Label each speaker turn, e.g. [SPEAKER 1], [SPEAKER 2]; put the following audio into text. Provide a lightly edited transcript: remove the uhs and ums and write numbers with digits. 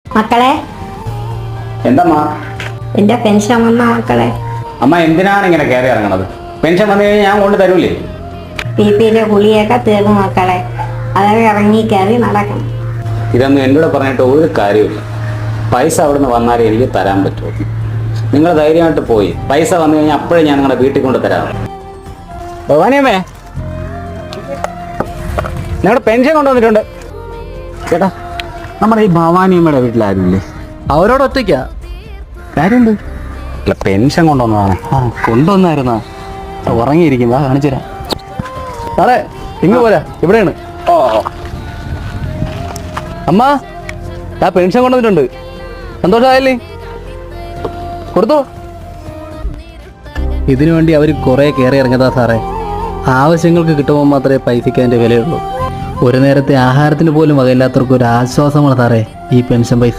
[SPEAKER 1] മക്കളെ,
[SPEAKER 2] എന്തമ്മ?
[SPEAKER 1] എന്റെ പെൻഷൻ വന്ന മക്കളെ.
[SPEAKER 2] അമ്മ എന്തിനാണ് ഇങ്ങനെ കയറി ഇറങ്ങണത്? പെൻഷൻ വന്നു കഴിഞ്ഞാൽ ഞാൻ കൊണ്ട് തരൂലേ?
[SPEAKER 1] PP-യിലെ ഗുളിയൊക്കെ തീർന്നു മക്കളെ. അതൊക്കെ ഇറങ്ങി കയറി നടക്കണം.
[SPEAKER 2] ഇതൊന്നും എന്നോട് പറഞ്ഞിട്ട് ഒരു കാര്യമില്ല. പൈസ അവിടുന്ന് വന്നാലേ എനിക്ക് തരാൻ പറ്റുമോ? നിങ്ങൾ ധൈര്യമായിട്ട് പോയി പൈസ വന്നു കഴിഞ്ഞാൽ അപ്പോഴേ ഞാൻ നിങ്ങളുടെ വീട്ടിൽ കൊണ്ട് തരാം. ഭവാനിയമ്മേ, ഞങ്ങളുടെ പെൻഷൻ കൊണ്ടുവന്നിട്ടുണ്ട്. ചേട്ടാ, നമ്മുടെ ഈ ഭവാനിയമ്മയുടെ വീട്ടിലാരുമില്ലേ?
[SPEAKER 3] അവരോട് ഒറ്റയ്ക്കാ.
[SPEAKER 2] കാര്യമുണ്ട്. അല്ല, പെൻഷൻ കൊണ്ടുവന്നതാണ്.
[SPEAKER 3] കൊണ്ടുവന്നായിരുന്നാ? ഉറങ്ങിയിരിക്കും, വാ കാണിച്ചു തരാം. സാറേ ഇങ്ങ് പോരാ, ഇവിടെയാണ്.
[SPEAKER 2] ഓ,
[SPEAKER 3] അമ്മ, ആ പെൻഷൻ കൊണ്ടുവന്നിട്ടുണ്ട്. സന്തോഷമായില്ലേ? കൊടുത്തു. ഇതിനു വേണ്ടി അവർ കുറേ കയറി ഇറങ്ങിയതാ സാറേ. ആവശ്യങ്ങൾക്ക് കിട്ടുമ്പോൾ മാത്രമേ പൈസയ്ക്ക് അതിൻ്റെ വിലയുള്ളൂ. ഒരു നേരത്തെ ആഹാരത്തിന് പോലും വകയില്ലാത്തവർക്ക് ഒരു ആശ്വാസമാണ് സാറേ ഈ പെൻഷൻ പൈസ.